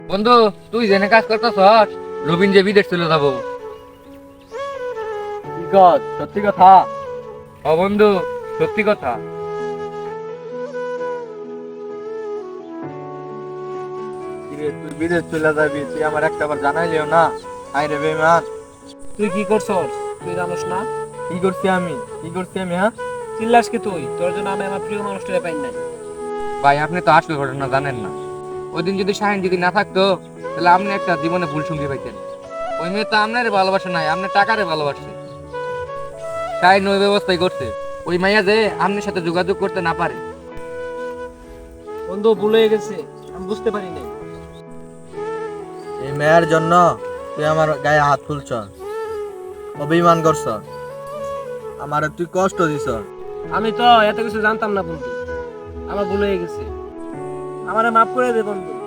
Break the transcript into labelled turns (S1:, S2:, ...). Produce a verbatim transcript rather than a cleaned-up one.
S1: বন্ধু, তুই জেনে কাজ করতেছ, রবিন যে বিদেশ চলে যাবো।
S2: কি কর সত্যি কথা?
S1: ও বন্ধু, সত্যি কথা।
S2: কিরে তুই বিদেশ চলে যাবি, তুই আমার একটা বার জানাইলিও না। হাই রে বেমান,
S3: তুই কি করছস? তুই জানোস না?
S2: কি করছি আমি? কি করছি আমি? হ্যাঁ,
S3: চিল্লাস কি তুই? তোর জন্য আমি আমার প্রিয় মানুষটাকে পাই নাই।
S1: ভাই, আপনি তো আসল ঘটনা জানেন না। ওই দিন যদি শাহিন যদি না থাকতো, তাহলে আপনি একটা জীবনে ভুল সঙ্গী পাইতেন। ওই মেয়ে তো আপনারে ভালোবাসে নাই, আপনি টাকারে ভালোবাসছে। শাহিন ওই ব্যবস্থাই করছে, ওই মাইয়া যে আপনার সাথে যোগাযোগ করতে না পারে।
S3: বন্ধু, ভুল হয়ে গেছে, আমি বুঝতে পারি নাই।
S2: এই মেয়ের জন্য তুই আমার গায়ে হাত তুলছ, অভিমান করছ, আমারে তুই কষ্ট দিছ।
S3: আমি তো এত কিছু জানতাম না বন্ধু, আমার ভুল হয়ে গেছে, আমারে মাফ করে দে বন্ধু।